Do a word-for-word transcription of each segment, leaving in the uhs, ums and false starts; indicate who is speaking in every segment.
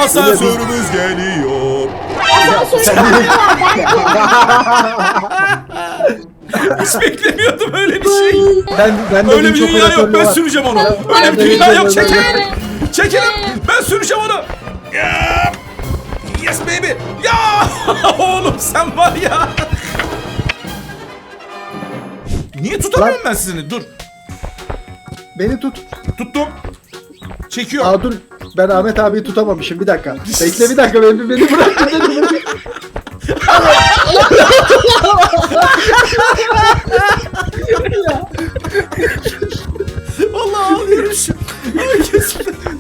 Speaker 1: Asansörümüz geliyor.
Speaker 2: Asansörü
Speaker 1: Hiç beklemiyordum öyle bir şey.
Speaker 3: Ben, ben de
Speaker 1: Öyle bir
Speaker 3: çok
Speaker 1: dünya yok.
Speaker 3: operatörlü
Speaker 1: Ben
Speaker 3: var.
Speaker 1: süreceğim onu.
Speaker 3: Ben
Speaker 1: Öyle bir
Speaker 3: de
Speaker 1: dünya yok.
Speaker 3: çok
Speaker 1: Çekilin.
Speaker 3: operatörlü.
Speaker 1: Çekilin. Ben süreceğim onu. Ya. Yes baby. Ya. Oğlum sen var ya. Niye tutamıyorum ben sizini? Dur.
Speaker 3: Beni tut.
Speaker 1: Tuttum. Çekiyor.
Speaker 3: Aa dur. Ben Ahmet abiyi tutamamışım. Bir dakika. Bekle bir dakika. Beni, beni bırak. Beni bırak.
Speaker 1: Vallahi ağlıyorum şu. Herkes.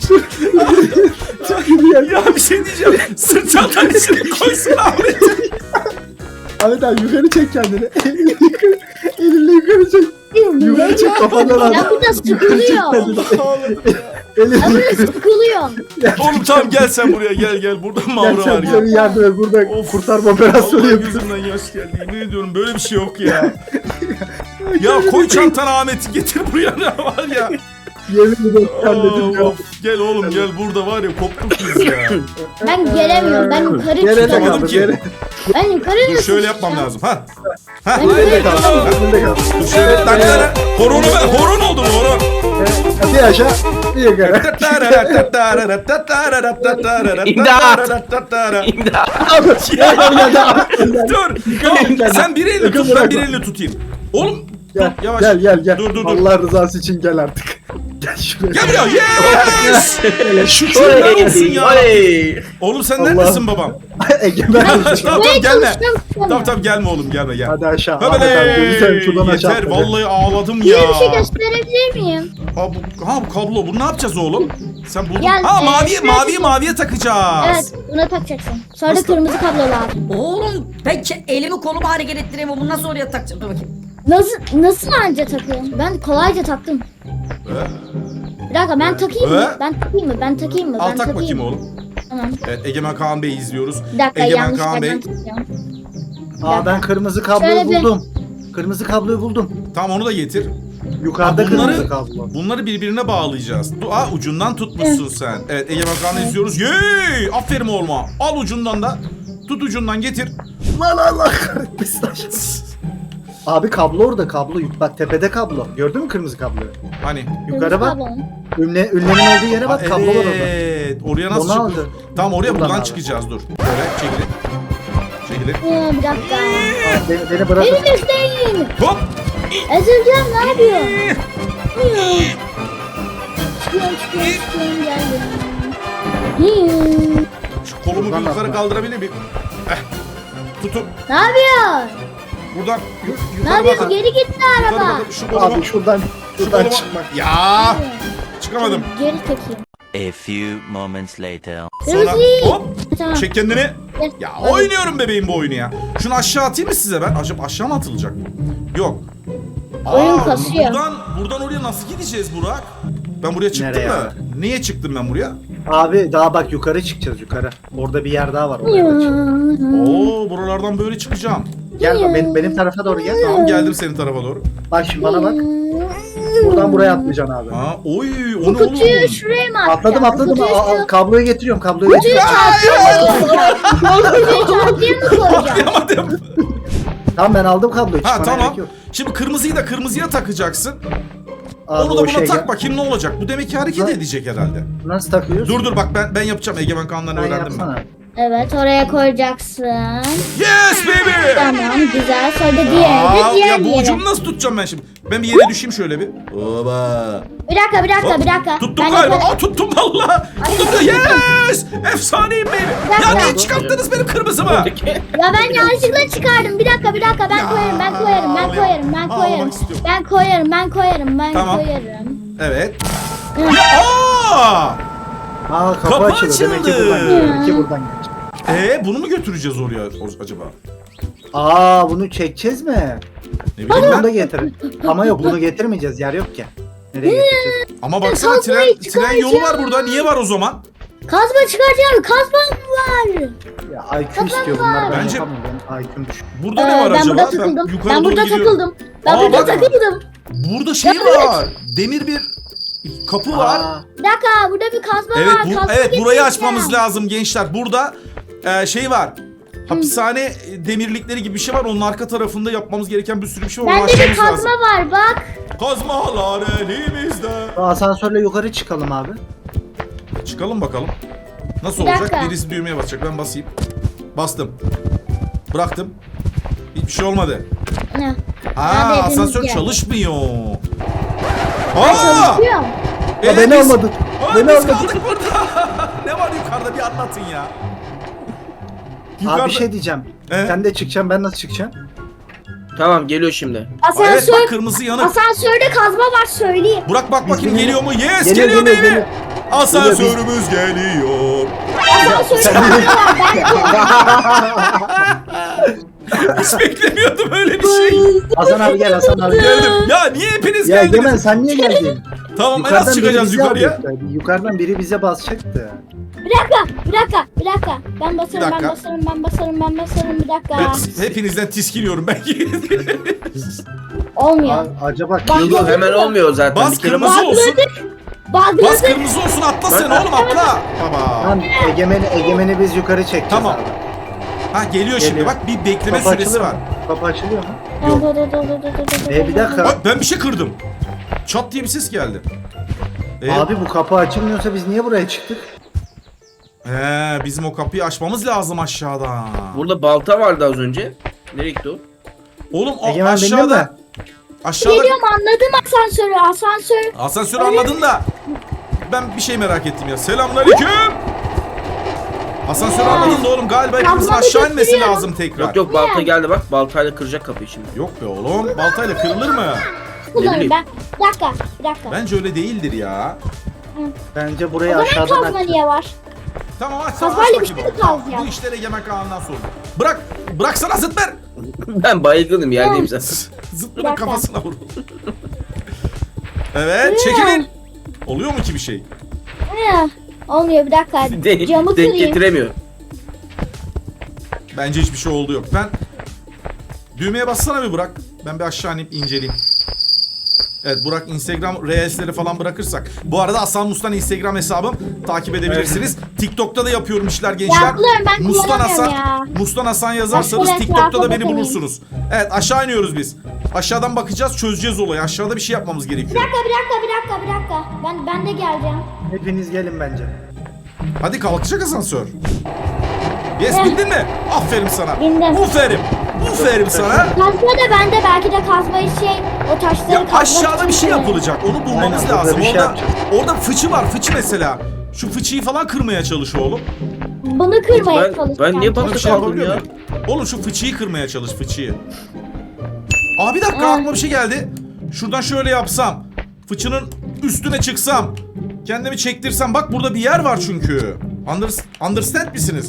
Speaker 3: Çok iyi ya.
Speaker 1: Ya bir şey diyeceğim. Sırt çantanın içine koysun Ahmet'i.
Speaker 3: Ahmet abi yukarı çek kendini. Elinle yukarı. Elinle yukarı çek. Yukarı çek kafandan al.
Speaker 2: Ya burada sıkılıyor.
Speaker 3: Elinle
Speaker 2: Ya burada
Speaker 3: yukarı.
Speaker 2: sıkılıyor.
Speaker 1: Oğlum tamam gel sen buraya gel gel. Burada
Speaker 3: Gel
Speaker 1: mağara var
Speaker 3: sen
Speaker 1: ya.
Speaker 3: bize bir yardım et. Burada
Speaker 1: Of.
Speaker 3: kurtarma operasyonu
Speaker 1: Allah
Speaker 3: yapıyoruz.
Speaker 1: gözümden yaş geldi. Yemin ediyorum böyle bir şey yok ya. Ya koy çantana Ahmet'i getir buraya ne var ya.
Speaker 3: Yemin ederim halledim ya.
Speaker 1: Of, gel oğlum gel burada var ya koptuk biz ya.
Speaker 2: Ben gelemiyorum. Ben yukarı
Speaker 3: Nerede
Speaker 2: çıkamıyorum.
Speaker 1: Yapamadım
Speaker 3: kaldı?
Speaker 1: ki.
Speaker 3: Nerede?
Speaker 2: Ben yukarı
Speaker 1: Dur
Speaker 2: nasıl
Speaker 1: şöyle yapmam
Speaker 2: çıkacağım?
Speaker 1: lazım ha. Ha.
Speaker 2: Ben
Speaker 3: Nerede
Speaker 2: yukarı
Speaker 3: kaldı? Nerede kaldı?
Speaker 1: Dur şöyle tak tak. Horon ben horon oldum horon.
Speaker 3: Bir aşağı, bir yukarı.
Speaker 1: Ya,
Speaker 3: Ya,
Speaker 1: dur. Tamam, sen bir elini tut ben bir elini tutayım. Oğlum
Speaker 3: Gel,
Speaker 1: dur yavaş.
Speaker 3: gel, gel, gel.
Speaker 1: Dur dur dur.
Speaker 3: Allah rızası için gel artık. Gel şuraya.
Speaker 1: Gel buraya. Yes. Şükürler olsun ya. Oğlum sen
Speaker 3: Allah.
Speaker 1: neredesin babam?
Speaker 3: Egemen.
Speaker 1: Tamam tamam
Speaker 2: Buraya
Speaker 1: gelme.
Speaker 2: çalışıyorum.
Speaker 1: Tamam tamam gelme oğlum gelme gel.
Speaker 3: Hadi aşağı.
Speaker 1: Höbele.
Speaker 3: Ahmet abi, lütfen şuradan aşağı.
Speaker 1: Yeter
Speaker 3: atla.
Speaker 1: vallahi ağladım
Speaker 2: Size
Speaker 1: ya.
Speaker 2: bir şey gösterebilir miyim?
Speaker 1: Ha bu, ha bu kablo bunu ne yapacağız oğlum? Sen buldun.
Speaker 2: Gel,
Speaker 1: Ha
Speaker 2: e,
Speaker 1: maviye
Speaker 2: şöyle
Speaker 1: maviye
Speaker 2: bir-
Speaker 1: maviye takacağız.
Speaker 2: Evet, buna takacaksın. Sonra
Speaker 1: Nasıl?
Speaker 2: kırmızı kablo lazım.
Speaker 4: Oğlum ben ke- elimi kolumu hareket ettireyim. Bunu nasıl oraya takacağım? Dur bakayım.
Speaker 2: Nasıl nasıl anca takıyorum? Ben kolayca taktım. Bir dakika ben takayım mı?
Speaker 1: Ee?
Speaker 2: Ben takayım mı? Ben takayım mı?
Speaker 1: Al
Speaker 2: Ben
Speaker 1: tak
Speaker 2: takayım
Speaker 1: bakayım
Speaker 2: mı?
Speaker 1: oğlum.
Speaker 2: Tamam.
Speaker 1: Evet Egemen Kaan Bey izliyoruz.
Speaker 2: Bir dakika
Speaker 1: Egemen
Speaker 2: yanlış
Speaker 1: Kaan Bey.
Speaker 2: yerden takacağım.
Speaker 3: Aa ben kırmızı kabloyu
Speaker 2: Şöyle bir-
Speaker 3: buldum. Kırmızı kabloyu buldum.
Speaker 1: Tamam onu da getir.
Speaker 3: Yukarıda
Speaker 1: Ha, bunları-
Speaker 3: kırmızı kablo.
Speaker 1: Bunları birbirine bağlayacağız. Du Aa, ucundan tutmuşsun sen. Evet Egemen Kaan'ı izliyoruz. Yey! Aferin oğluma. Al ucundan da. Tut ucundan getir.
Speaker 3: Lan Allah kahretmesin. Abi kablo orada kablo. Bak tepede kablo. Gördün mü kırmızı kabloyu?
Speaker 1: Hani?
Speaker 3: Yukarı bak.
Speaker 2: Kırmızı kablo.
Speaker 3: Ünle, ünlemin olduğu yere bak
Speaker 1: Aa,
Speaker 3: kablo var orada.
Speaker 1: evet. Oraya nasıl
Speaker 3: Onu
Speaker 1: çıkıyor?
Speaker 3: aldı.
Speaker 1: Tamam oraya
Speaker 3: Buradan
Speaker 1: buradan
Speaker 3: aldı.
Speaker 1: çıkacağız dur. Böyle çekilin. Çekilin.
Speaker 2: Ee, bir dakika.
Speaker 3: Aa, Beni, beni bırak.
Speaker 2: Beni isteyin.
Speaker 1: Hop!
Speaker 2: Ezileceğim ne yapıyorsun? Çıkıyorum çıkıyorum çıkıyorum geldim. Hmm.
Speaker 1: Şu kolumu bir
Speaker 3: Buradan
Speaker 1: yukarı
Speaker 3: atla.
Speaker 1: kaldırabilir miyim? Eh. Tutun.
Speaker 2: Ne yapıyorsun?
Speaker 1: Buradan yu-
Speaker 2: Ne
Speaker 1: yukarı
Speaker 2: yapıyorsun?
Speaker 1: bakın.
Speaker 2: Geri gitti
Speaker 1: Yukarı
Speaker 2: araba.
Speaker 1: bakın. Şu kolumu.
Speaker 3: Abi şuradan
Speaker 1: Şu
Speaker 3: şuradan
Speaker 1: kolumu.
Speaker 3: çıkmak.
Speaker 1: Ya! Çıkamadım.
Speaker 2: Geri çekeyim.
Speaker 5: A few moments later.
Speaker 1: Sonra
Speaker 2: Kırmızı.
Speaker 1: hop!
Speaker 2: Tamam.
Speaker 1: Çek kendini.
Speaker 2: Gel.
Speaker 1: Ya oynuyorum bebeğim bu oyunu ya. Şunu aşağı atayım mı size ben? Acaba aşağı mı atılacak bu? Yok.
Speaker 2: Oyun kasıyor.
Speaker 1: Buradan, buradan oraya nasıl gideceğiz Burak? Ben buraya çıktım
Speaker 3: Nereye
Speaker 1: mı?
Speaker 3: abi?
Speaker 1: Niye çıktım ben buraya?
Speaker 3: Abi daha bak yukarı çıkacağız yukarı. Orada bir yer daha var. Oraya da çık.
Speaker 1: Oo buralardan böyle çıkacağım.
Speaker 3: Gel bak benim, benim tarafa doğru gel.
Speaker 1: Tamam geldim senin tarafa doğru.
Speaker 3: Bak şimdi bana bak. Buradan buraya atlayacaksın abi.
Speaker 1: Ha, oy o
Speaker 2: Bu
Speaker 1: ne
Speaker 2: kutuyu
Speaker 1: oğlum?
Speaker 2: şuraya mı atacağım?
Speaker 3: Atladım atladım.
Speaker 2: Kutuyu
Speaker 3: Aa, aa,
Speaker 2: şu-
Speaker 3: kabloyu getiriyorum kabloyu
Speaker 2: Kutuyu
Speaker 3: getiriyorum.
Speaker 2: çarpıya mı koyacağım? Kutuyu çarpıya mı koyacağım?
Speaker 1: Yapamadım.
Speaker 3: Tamam ben aldım kabloyu.
Speaker 1: Ha
Speaker 3: çıkmana
Speaker 1: tamam.
Speaker 3: gerek yok.
Speaker 1: Şimdi kırmızıyı da kırmızıya takacaksın.
Speaker 3: Abi
Speaker 1: Onu da
Speaker 3: o
Speaker 1: buna
Speaker 3: şey
Speaker 1: tak
Speaker 3: gel-
Speaker 1: bakayım ne olacak. Bu demek ki hareket
Speaker 3: Ha.
Speaker 1: edecek herhalde.
Speaker 3: Nasıl takıyoruz?
Speaker 1: Dur dur bak ben ben yapacağım. Egemen Kaan'dan
Speaker 3: Sen
Speaker 1: öğrendim ben.
Speaker 3: yapsana.
Speaker 2: Evet oraya koyacaksın.
Speaker 1: Yes baby!
Speaker 2: Tamam güzel. Sonra da diğeri
Speaker 1: Aa,
Speaker 2: de diğer
Speaker 1: ya bu
Speaker 2: yere.
Speaker 1: ucunu nasıl tutacağım ben şimdi? Ben bir yere düşeyim şöyle bir. Oba.
Speaker 2: Bir dakika bir dakika bir dakika.
Speaker 1: Tuttum
Speaker 2: Ben
Speaker 1: galiba.
Speaker 2: yukarı-
Speaker 1: Aa tuttum valla. Tuttum. Yes! Efsaneyim benim. Ya niye çıkarttınız benim kırmızımı?
Speaker 2: Ya ben yanlışlıkla çıkardım. Bir dakika bir dakika ben
Speaker 1: Ya,
Speaker 2: koyarım ben koyarım ben
Speaker 1: ağlayam-
Speaker 2: koyarım ben
Speaker 1: ağlamak
Speaker 2: koyarım.
Speaker 1: istiyorum.
Speaker 2: Ben koyarım ben koyarım ben
Speaker 1: Tamam.
Speaker 2: koyarım.
Speaker 1: Evet.
Speaker 2: Hı.
Speaker 1: Aa!
Speaker 3: Aa kapı,
Speaker 1: Kapı
Speaker 3: açıldı. Demek ki
Speaker 1: açıldı.
Speaker 3: buradan gelecek. Demek ki buradan gelecek.
Speaker 1: Ee bunu mu götüreceğiz oraya o- acaba?
Speaker 3: Aa bunu çekeceğiz mi?
Speaker 1: Ne bileyim
Speaker 3: Bunu da
Speaker 1: ben.
Speaker 3: getirin. Ama yok bunu getirmeyeceğiz. Yer yok ki. Nereye getireceğiz?
Speaker 1: Ama baksana tren,
Speaker 2: Kazmayı
Speaker 1: tren yolu var burada. Niye var o zaman?
Speaker 2: Kazma çıkaracağım kazmam var.
Speaker 3: Ya I Q istiyor bunlar. Ben
Speaker 1: Bence-
Speaker 3: yapamam. Benim I Q'm düşük.
Speaker 1: Burada
Speaker 2: Ee,
Speaker 1: ne var
Speaker 2: ben
Speaker 1: acaba?
Speaker 2: burada takıldım.
Speaker 1: yukarı
Speaker 2: Ben
Speaker 1: doğru
Speaker 2: burada
Speaker 1: gidiyorum.
Speaker 2: takıldım. Ben
Speaker 1: Aa,
Speaker 2: burada
Speaker 1: bak.
Speaker 2: takıldım.
Speaker 1: Burada şey
Speaker 2: Ya, evet.
Speaker 1: var. Demir bir kapı var.
Speaker 3: Aa,
Speaker 2: Bir dakika burada bir kazma
Speaker 1: Evet,
Speaker 2: var.
Speaker 1: bu,
Speaker 2: Kazma
Speaker 1: evet burayı
Speaker 2: getireceğim.
Speaker 1: açmamız lazım gençler. Burada e, şey var. Hapishane demirlikleri gibi bir şey var. Onun arka tarafında yapmamız gereken bir sürü bir şey var.
Speaker 2: Bende bir
Speaker 1: Ulaşmamız
Speaker 2: kazma
Speaker 1: lazım.
Speaker 2: var bak.
Speaker 1: Kazmalar elimizde.
Speaker 3: asansörle yukarı çıkalım abi.
Speaker 1: Çıkalım bakalım. Nasıl
Speaker 2: Bir
Speaker 1: olacak?
Speaker 2: dakika.
Speaker 1: Birisi düğmeye basacak. Ben basayım. Bastım. Bıraktım. Hiçbir şey olmadı.
Speaker 2: Ne?
Speaker 1: Aa,
Speaker 2: Abi,
Speaker 1: asansör
Speaker 2: hepimiz
Speaker 1: çalışmıyor.
Speaker 2: Ben
Speaker 1: Aa!
Speaker 2: çalışıyorum.
Speaker 1: Evet,
Speaker 3: beni
Speaker 1: biz-
Speaker 3: almadın.
Speaker 1: Aa,
Speaker 3: Beni
Speaker 1: biz
Speaker 3: almadın.
Speaker 1: kaldık burada. Ne var yukarıda bir anlatın ya.
Speaker 3: Abi bir şey diyeceğim.
Speaker 1: Ee?
Speaker 3: Sen de çıkacaksın, ben nasıl çıkacağım?
Speaker 6: Tamam geliyor şimdi.
Speaker 1: Aa, evet
Speaker 2: Asansör,
Speaker 1: bak kırmızı yanık.
Speaker 2: asansörde kazma var söyleyeyim.
Speaker 1: Burak bak bakayım
Speaker 3: Bizim-
Speaker 1: geliyor mu? Yes
Speaker 3: Geliyor,
Speaker 1: geliyor,
Speaker 3: geliyor,
Speaker 1: baby.
Speaker 3: geliyor.
Speaker 1: Asansörümüz geliyor.
Speaker 2: Asansörde kazma var. Ben
Speaker 1: Hiç beklemiyordum öyle bir şey.
Speaker 3: Hasan abi gel, Hasan abi gel.
Speaker 1: Geldim. Ya niye hepiniz
Speaker 3: Ya
Speaker 1: geldiniz?
Speaker 3: Egemen sen niye geldin?
Speaker 1: Tamam en
Speaker 3: Yukarıdan
Speaker 1: az
Speaker 3: biri
Speaker 1: çıkacağız
Speaker 3: bizi
Speaker 1: yukarıya.
Speaker 3: alacaktı. Yukarıdan biri bize basacaktı.
Speaker 2: bir dakika, bir dakika, bir dakika. Ben basarım,
Speaker 1: Bir dakika.
Speaker 2: ben basarım, ben basarım, ben basarım. Bir dakika.
Speaker 1: Ben hepinizden tiskiliyorum ben.
Speaker 2: Olmuyor.
Speaker 3: A- acaba
Speaker 2: Bak-
Speaker 6: Yok yok hemen olmuyor zaten.
Speaker 1: Bas
Speaker 6: Bir kere
Speaker 1: kırmızı
Speaker 6: bas.
Speaker 1: olsun. Bas
Speaker 2: Bağladık.
Speaker 1: kırmızı olsun atla sen oğlum atla. Baba.
Speaker 3: Tamam, Egemen'i, Egemen'i biz yukarı çekeceğiz
Speaker 1: Tamam.
Speaker 3: abi.
Speaker 1: Ha geliyor şimdi
Speaker 3: Geliyor.
Speaker 1: bak bir bekleme
Speaker 3: Kapı
Speaker 1: süresi
Speaker 3: açılıyor
Speaker 1: var.
Speaker 3: mu? Kapı açılıyor mu?
Speaker 2: Dur, dur, dur, dur, dur, dur, dur,
Speaker 3: E, bir
Speaker 2: dur,
Speaker 3: dakika.
Speaker 1: Bak ben bir şey kırdım. Çat diye bir ses geldi. Ee,
Speaker 3: Abi bu kapı açılmıyorsa biz niye buraya çıktık?
Speaker 1: He, bizim o kapıyı açmamız lazım aşağıdan.
Speaker 6: Burada balta vardı az önce. Nereye gitti o?
Speaker 1: Oğlum o
Speaker 3: Egemen bindin mi?
Speaker 1: aşağıda. Aşağıda.
Speaker 2: Geliyorum anladım asansörü, asansör.
Speaker 1: Asansörü anladın da. Ben bir şey merak ettim ya. Selamünaleyküm. Asansörü anladın da oğlum galiba hepimizin
Speaker 2: Kazmamı
Speaker 1: aşağı inmesi
Speaker 2: götürüyorum.
Speaker 1: lazım tekrar.
Speaker 6: Yok yok balta geldi bak. Baltayla kıracak kapıyı şimdi.
Speaker 1: Yok be oğlum. Baltayla kırılır mı?
Speaker 2: Kullanırım
Speaker 6: bileyim.
Speaker 2: ben. Bir dakika, bir dakika.
Speaker 1: Bence öyle değildir ya.
Speaker 3: Bence
Speaker 2: O
Speaker 3: burayı
Speaker 2: zaman
Speaker 3: aşağıdan
Speaker 2: kazma
Speaker 3: açacağız.
Speaker 2: niye var?
Speaker 1: Tamam aç tamam aç
Speaker 2: Kazmayla bir
Speaker 1: bakayım.
Speaker 2: şey mi
Speaker 1: Tamam,
Speaker 2: kaldı ya?
Speaker 1: bu işler Egemen Kaan'dan sonra. Bırak. Bıraksana Zıtmer.
Speaker 6: Ben baygınım yerdeyim zaten.
Speaker 1: Zıtmer'ın
Speaker 2: dakika.
Speaker 1: kafasına vur. Evet çekilin. Oluyor mu ki bir şey?
Speaker 2: Ne? Olmuyor bir dakika.
Speaker 6: De-
Speaker 2: Camı
Speaker 6: denk
Speaker 2: kırayım.
Speaker 6: getiremiyor.
Speaker 1: Bence hiçbir şey oldu yok. Ben düğmeye bassana bir Burak. Ben bir aşağı inip inceleyeyim. Evet Burak Instagram Reels'leri falan bırakırsak. Bu arada Hasan Mustan Instagram hesabım. Takip edebilirsiniz. TikTok'ta da yapıyorum işler gençler.
Speaker 2: Yapıyorum, ben
Speaker 1: Mustan
Speaker 2: kullanamıyorum
Speaker 1: Hasan,
Speaker 2: ya.
Speaker 1: Mustan Hasan yazarsanız
Speaker 2: Başka
Speaker 1: TikTok'ta da
Speaker 2: etrafa
Speaker 1: beni
Speaker 2: bakayım.
Speaker 1: bulursunuz. Evet aşağı iniyoruz biz. Aşağıdan bakacağız çözeceğiz olayı. Aşağıda bir şey yapmamız
Speaker 2: Bir
Speaker 1: gerekiyor.
Speaker 2: dakika, bir dakika, bir dakika, bir dakika. Ben ben de geleceğim.
Speaker 3: Hepiniz gelin bence.
Speaker 1: Hadi kalkacak asansör. Yes
Speaker 2: Evet.
Speaker 1: bindin mi? Aferin sana.
Speaker 2: Bindim.
Speaker 1: Uferim. Uferim sana.
Speaker 2: Kazma da bende belki de kazmayı şey o taşları
Speaker 1: Ya
Speaker 2: kazmak
Speaker 1: aşağıda
Speaker 2: için
Speaker 1: bir şey
Speaker 2: kullanırım.
Speaker 1: yapılacak. Onu bulmamız
Speaker 3: Aynen, burada
Speaker 1: lazım.
Speaker 3: bir şey
Speaker 1: orada
Speaker 3: yapacağız.
Speaker 1: orada fıçı var. Fıçı mesela. Şu fıçıyı falan kırmaya çalış oğlum.
Speaker 2: Bunu kırmaya
Speaker 6: Ben-
Speaker 2: çalışacağım.
Speaker 6: ben niye
Speaker 1: Bana
Speaker 6: bak-
Speaker 1: bir şey
Speaker 6: kaldım
Speaker 1: yapabiliyor
Speaker 6: ya.
Speaker 1: muyum? Oğlum şu fıçıyı kırmaya çalış fıçıyı. Aa bir dakika
Speaker 2: Aa.
Speaker 1: aklıma bir şey geldi. Şuradan şöyle yapsam. Fıçının üstüne çıksam. Kendimi çektirsem. Bak burada bir yer var çünkü. Under, understand misiniz?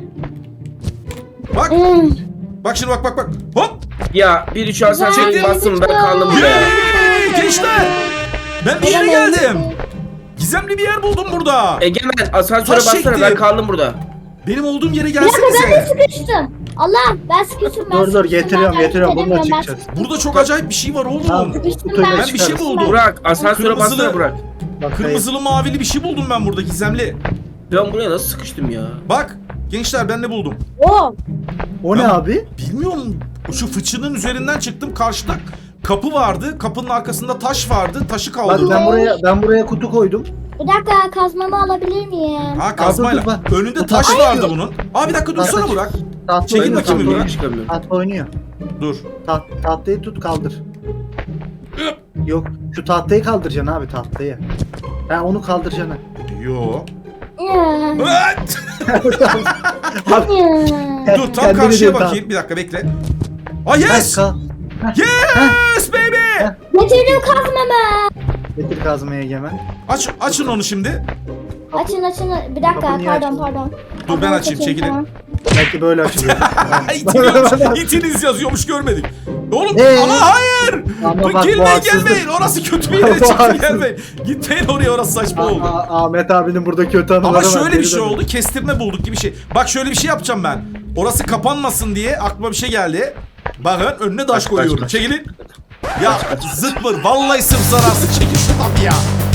Speaker 1: Bak.
Speaker 2: Hmm.
Speaker 1: Bak şimdi bak bak bak. Hop.
Speaker 6: Ya bir üç asansöre
Speaker 2: Çektim.
Speaker 6: bastım ben kaldım burada.
Speaker 1: Yeee gençler. Ben bir yere geldim. Gizemli bir yer buldum burada.
Speaker 6: Egemen asansöre
Speaker 1: Taş
Speaker 6: bassana ben
Speaker 1: çektim.
Speaker 6: kaldım burada.
Speaker 1: Benim olduğum yere
Speaker 2: Bir dakika ben de
Speaker 1: gelsenize.
Speaker 2: sıkıştım. Allah ben sıkıştım ben
Speaker 3: Dur dur
Speaker 2: sıkıştım,
Speaker 3: getiriyorum
Speaker 2: ben
Speaker 3: getiriyorum bununla
Speaker 2: hareket edemiyorum,
Speaker 3: çıkacağız.
Speaker 1: Burada çok acayip bir şey var oğlum.
Speaker 3: Tamam,
Speaker 2: Sıkıştım
Speaker 3: kutuyla
Speaker 2: ben.
Speaker 1: Ben bir şey
Speaker 3: çıkarız.
Speaker 1: buldum.
Speaker 6: Burak asansöre
Speaker 1: Kırmızılı-
Speaker 6: bassana Burak.
Speaker 3: Bak,
Speaker 1: Kırmızılı mavili bir şey buldum ben burada gizemli.
Speaker 6: Ben buraya nasıl sıkıştım ya?
Speaker 1: Bak gençler ben ne buldum?
Speaker 2: Oo.
Speaker 3: o ne
Speaker 1: Ben-
Speaker 3: abi?
Speaker 1: Bilmiyorum. Şu fıçının üzerinden çıktım. Karşıda kapı vardı. Kapının arkasında taş vardı. Taşı
Speaker 3: Bak
Speaker 1: kaldırdım.
Speaker 3: ben buraya ben buraya kutu koydum.
Speaker 2: Bir dakika kazmamı alabilir miyim?
Speaker 1: Ha kazmayla.
Speaker 3: Dur, dur, bak.
Speaker 1: Önünde
Speaker 3: Bu
Speaker 1: taş
Speaker 3: taş-
Speaker 1: vardı bunun. Abi bir dakika dursana
Speaker 3: Taş-
Speaker 1: Burak.
Speaker 3: Tahta
Speaker 1: Çekil
Speaker 3: oynuyor,
Speaker 1: bakayım
Speaker 3: tahta
Speaker 1: bir
Speaker 3: oynuyor.
Speaker 6: Çıkamıyorum.
Speaker 3: Tahta oynuyor.
Speaker 1: Dur.
Speaker 3: Taht, tahtayı tut kaldır. Yok şu tahtayı kaldıracaksın abi tahtayı. Ha onu kaldıracaksın.
Speaker 1: Yo.
Speaker 2: Ya.
Speaker 1: Evet.
Speaker 3: Abi,
Speaker 2: Ya.
Speaker 1: Dur tam
Speaker 3: kendini
Speaker 1: karşıya
Speaker 3: değil,
Speaker 1: bakayım. Bir dakika bekle. Ah yes.
Speaker 3: Kal.
Speaker 1: Yes baby.
Speaker 2: Getirdim kazmamı.
Speaker 3: Getir kazmaya Egemen.
Speaker 1: Aç açın onu şimdi.
Speaker 2: Açın açın. Bir dakika
Speaker 3: Kapı niye
Speaker 2: pardon
Speaker 3: açtın?
Speaker 2: pardon.
Speaker 1: Dur ben
Speaker 2: Kazmamı
Speaker 1: açayım
Speaker 2: çekeyim,
Speaker 1: çekilin.
Speaker 2: tamam.
Speaker 3: Belki böyle açılıyor.
Speaker 1: İtiliyormuş. İtiniz yazıyormuş görmedik. Oğlum
Speaker 3: Ee?
Speaker 1: ama hayır.
Speaker 3: Ama
Speaker 1: Dur,
Speaker 3: bak, bu
Speaker 1: gelmeyin
Speaker 3: haksızlık.
Speaker 1: gelmeyin. Orası kötü bir yere
Speaker 3: Bu
Speaker 1: çıktı
Speaker 3: haksızlık.
Speaker 1: gelmeyin. Gitmeyin oraya orası saçma oldu.
Speaker 3: Aa, Ahmet abinin burada kötü anıları
Speaker 1: Ama
Speaker 3: var.
Speaker 1: şöyle bir
Speaker 3: Geri
Speaker 1: şey
Speaker 3: dön.
Speaker 1: oldu. Kestirme bulduk gibi bir şey. Bak şöyle bir şey yapacağım ben. Orası kapanmasın diye aklıma bir şey geldi. Bakın önüne taş
Speaker 6: Kaç,
Speaker 1: koyuyorum.
Speaker 6: kaç, kaç.
Speaker 1: Çekilin. Ya zıtmır. Vallahi sırf zararsız. Çekil şuradan bir ya.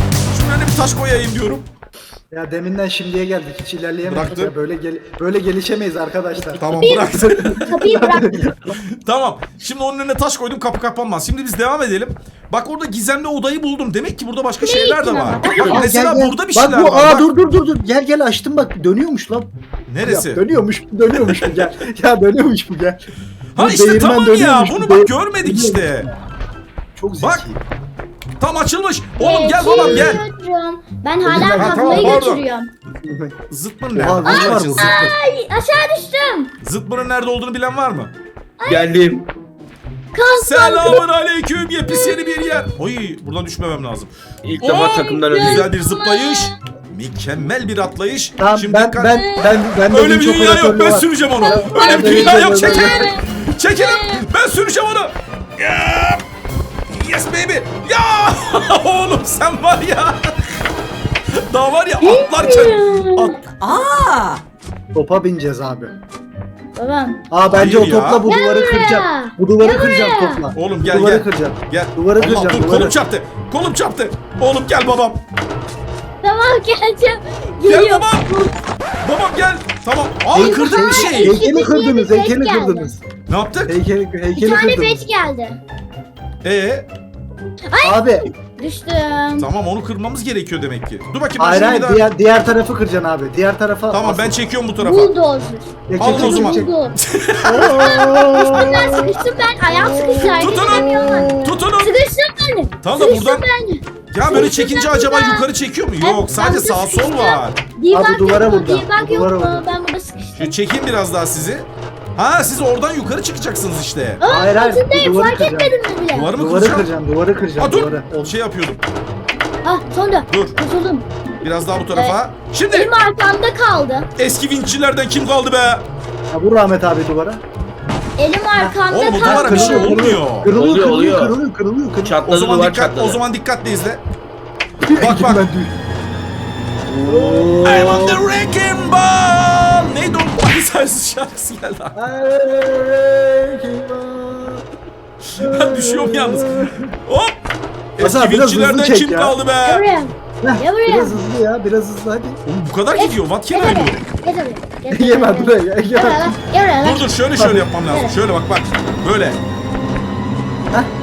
Speaker 1: şunun önüne bir taş koyayım diyorum.
Speaker 3: Ya deminden şimdiye geldik. Hiç ilerleyemedik.
Speaker 1: Bıraktım.
Speaker 3: Ya böyle gel böyle gelişemeyiz arkadaşlar.
Speaker 1: Tamam bıraktım.
Speaker 2: Kapıyı bıraktım.
Speaker 1: Tamam. Şimdi onun önüne taş koydum, kapı kapanmaz. Şimdi biz devam edelim. Bak orada gizemli odayı buldum. Demek ki burada başka şeyler de var. Bak
Speaker 3: Aa,
Speaker 1: mesela
Speaker 3: gel, gel.
Speaker 1: burada bir
Speaker 3: bak,
Speaker 1: şeyler
Speaker 3: bu,
Speaker 1: var.
Speaker 3: Aa
Speaker 1: Bak.
Speaker 3: dur dur dur dur. Gel gel açtım bak dönüyormuş lan.
Speaker 1: Neresi?
Speaker 3: Ya, dönüyormuş dönüyormuş bu gel. Ya dönüyormuş bu gel.
Speaker 1: Ha
Speaker 3: Bu
Speaker 1: işte
Speaker 3: değirmen
Speaker 1: tamam ya.
Speaker 3: dönüyormuş,
Speaker 1: Bunu
Speaker 3: bu
Speaker 1: bak
Speaker 3: değir-
Speaker 1: görmedik işte.
Speaker 3: Çok zeki.
Speaker 1: Bak. Tam açılmış. Oğlum gel babam gel.
Speaker 2: Geçiyorum. Ben
Speaker 3: Ha,
Speaker 2: hala
Speaker 1: tamam,
Speaker 2: kazmayı
Speaker 1: pardon.
Speaker 2: götürüyorum.
Speaker 1: Zıtmırın
Speaker 3: Oha,
Speaker 1: nerede?
Speaker 3: ne var
Speaker 1: Açın,
Speaker 3: burada?
Speaker 1: Zıtmır.
Speaker 2: Ay aşağı düştüm.
Speaker 1: Zıtmırın nerede olduğunu bilen var mı?
Speaker 6: Geldim.
Speaker 2: Kazma.
Speaker 1: Selamun aleyküm. Yepis yeni bir yer. Oy buradan düşmemem lazım.
Speaker 6: İlk defa
Speaker 1: Oo,
Speaker 6: takımdan öldüm.
Speaker 1: Güzel bir zıplayış. Mükemmel bir atlayış.
Speaker 3: Tamam
Speaker 1: Şimdi
Speaker 3: ben,
Speaker 1: dikkat-
Speaker 3: ben ben ben de
Speaker 1: Öyle bir
Speaker 3: vinç
Speaker 1: dünya yok.
Speaker 3: operatörlüğü
Speaker 1: Ben
Speaker 3: var.
Speaker 1: süreceğim onu.
Speaker 3: Ben-
Speaker 1: Öyle
Speaker 3: ben
Speaker 1: bir
Speaker 3: de
Speaker 1: dünya
Speaker 3: vinç
Speaker 1: yok.
Speaker 3: operatörlüğü
Speaker 1: Çekilin.
Speaker 3: var.
Speaker 1: Çekilin. Ben süreceğim onu. Ya. Yes baby. Ya. Oğlum sen var ya. Daha var ya atlarken. At.
Speaker 4: Aa!
Speaker 3: Topa bineceğiz abi.
Speaker 2: Babam.
Speaker 3: Aa bence
Speaker 1: Hayır
Speaker 3: o
Speaker 1: ya.
Speaker 3: topla bu
Speaker 2: Gel
Speaker 3: duvarı
Speaker 2: buraya.
Speaker 3: kıracağım. Bu duvarı
Speaker 2: Gel
Speaker 3: kıracağım
Speaker 2: buraya.
Speaker 3: topla.
Speaker 1: Oğlum
Speaker 3: Bu
Speaker 1: gel
Speaker 3: duvarı
Speaker 1: gel.
Speaker 3: kıracağım.
Speaker 1: Gel.
Speaker 3: Duvarı
Speaker 1: Allah
Speaker 3: kıracağım,
Speaker 1: dur
Speaker 3: duvarı.
Speaker 1: kolum çarptı. Kolum çarptı. Oğlum gel babam.
Speaker 2: Tamam geleceğim.
Speaker 1: Gel
Speaker 2: Geliyorum.
Speaker 1: babam. Babam gel. Tamam. Aa
Speaker 3: Hey-
Speaker 1: kırdın bir
Speaker 3: hey-
Speaker 1: şey.
Speaker 3: Heykeli kırdınız,
Speaker 2: Bir
Speaker 3: heykeli
Speaker 2: geldi.
Speaker 3: kırdınız.
Speaker 1: Ne yaptık?
Speaker 3: Heykeli,
Speaker 2: Bir
Speaker 3: heykeli
Speaker 2: tane
Speaker 3: kırdınız.
Speaker 2: beş geldi.
Speaker 1: Ee,
Speaker 3: Abi,
Speaker 2: Düştüm.
Speaker 1: tamam onu kırmamız gerekiyor demek ki. Dur bakayım. ben
Speaker 3: hayır
Speaker 1: şunu
Speaker 3: hayır
Speaker 1: bir daha-
Speaker 3: diğer, diğer tarafı kıracaksın abi. Diğer tarafa.
Speaker 1: Tamam ben çekiyorum bu tarafa.
Speaker 2: Bulldozer.
Speaker 3: Çek,
Speaker 1: Alın
Speaker 3: çek,
Speaker 1: o zaman.
Speaker 3: çek, çek.
Speaker 2: Buldu.
Speaker 3: Oo.
Speaker 2: Ben sıkıştım ben. Ayağım sıkıştı. Hareket
Speaker 1: Tutunun.
Speaker 2: edemiyorum.
Speaker 1: Tutunun.
Speaker 2: Sıkıştım ben.
Speaker 1: Tamam da
Speaker 2: Sıkıştım
Speaker 1: buradan-
Speaker 2: ben.
Speaker 1: Ya böyle
Speaker 2: Sıkıştım
Speaker 1: çekince
Speaker 2: ben
Speaker 1: acaba
Speaker 2: burada.
Speaker 1: yukarı çekiyor mu?
Speaker 2: Ben-
Speaker 1: Yok sadece
Speaker 2: ben
Speaker 1: sağ sol
Speaker 2: sıkıştım.
Speaker 1: var.
Speaker 2: Debug
Speaker 3: Abi duvara
Speaker 2: yok mu?
Speaker 3: vurdu.
Speaker 2: Debug yok
Speaker 3: Duvara
Speaker 2: mu?
Speaker 3: vurdu.
Speaker 2: Ben burada sıkıştım.
Speaker 1: Şu çekeyim biraz daha sizi. Ha siz oradan yukarı çıkacaksınız işte.
Speaker 2: Aa,
Speaker 3: Hayır, hayır,
Speaker 2: altındayım.
Speaker 3: duvarı
Speaker 2: Fark
Speaker 3: kıracağım.
Speaker 2: etmedim mi bile?
Speaker 1: Duvarı mı
Speaker 3: Duvarı
Speaker 1: kıracağım?
Speaker 3: kıracağım, duvarı kıracağım,
Speaker 1: Ha dur.
Speaker 3: duvarı.
Speaker 1: O şey yapıyordum.
Speaker 2: Ah sonunda.
Speaker 1: Dur.
Speaker 2: Kurtuldum.
Speaker 1: Biraz daha bu tarafa. Şimdi
Speaker 2: Elim arkamda kaldı.
Speaker 1: eski vinççilerden kim kaldı be?
Speaker 3: Ha, vur Rahmet abi duvara.
Speaker 2: Elim arkamda
Speaker 1: Oğlum o
Speaker 2: kaldı.
Speaker 1: duvara bir şey
Speaker 3: Kırılıyor,
Speaker 1: olmuyor.
Speaker 3: Kırılıyor,
Speaker 6: Oluyor,
Speaker 3: kırılıyor,
Speaker 6: oluyor.
Speaker 3: kırılıyor, kırılıyor, kırılıyor.
Speaker 1: O
Speaker 6: Çatladı
Speaker 1: zaman
Speaker 6: duvar
Speaker 1: dikkat,
Speaker 6: çatladı.
Speaker 1: o zaman dikkatli izle.
Speaker 3: Bak
Speaker 1: Bak, bak. I'm on the wrecking ball. Neydi o? Ay sensiz şarkısı geldi. Ben düşüyorum yalnız. Hop.
Speaker 3: Hasan,
Speaker 1: Eski
Speaker 3: biraz hızlı
Speaker 1: vinççilerden
Speaker 3: çek
Speaker 1: kim
Speaker 3: ya.
Speaker 1: kaldı be?
Speaker 2: Gel buraya. Gel buraya.
Speaker 3: Biraz hızlı ya, biraz hızlı hadi.
Speaker 1: Oğlum bu kadar gidiyor. What can
Speaker 2: Gel
Speaker 1: I do?
Speaker 2: buraya. Gel buraya. Gel buraya.
Speaker 3: Yeme
Speaker 2: Gel
Speaker 3: buraya,
Speaker 2: Gel
Speaker 3: yeme.
Speaker 2: buraya. Gel buraya.
Speaker 1: Dur dur şöyle şöyle yapmam lazım. Şöyle bak bak. Böyle.
Speaker 3: Heh,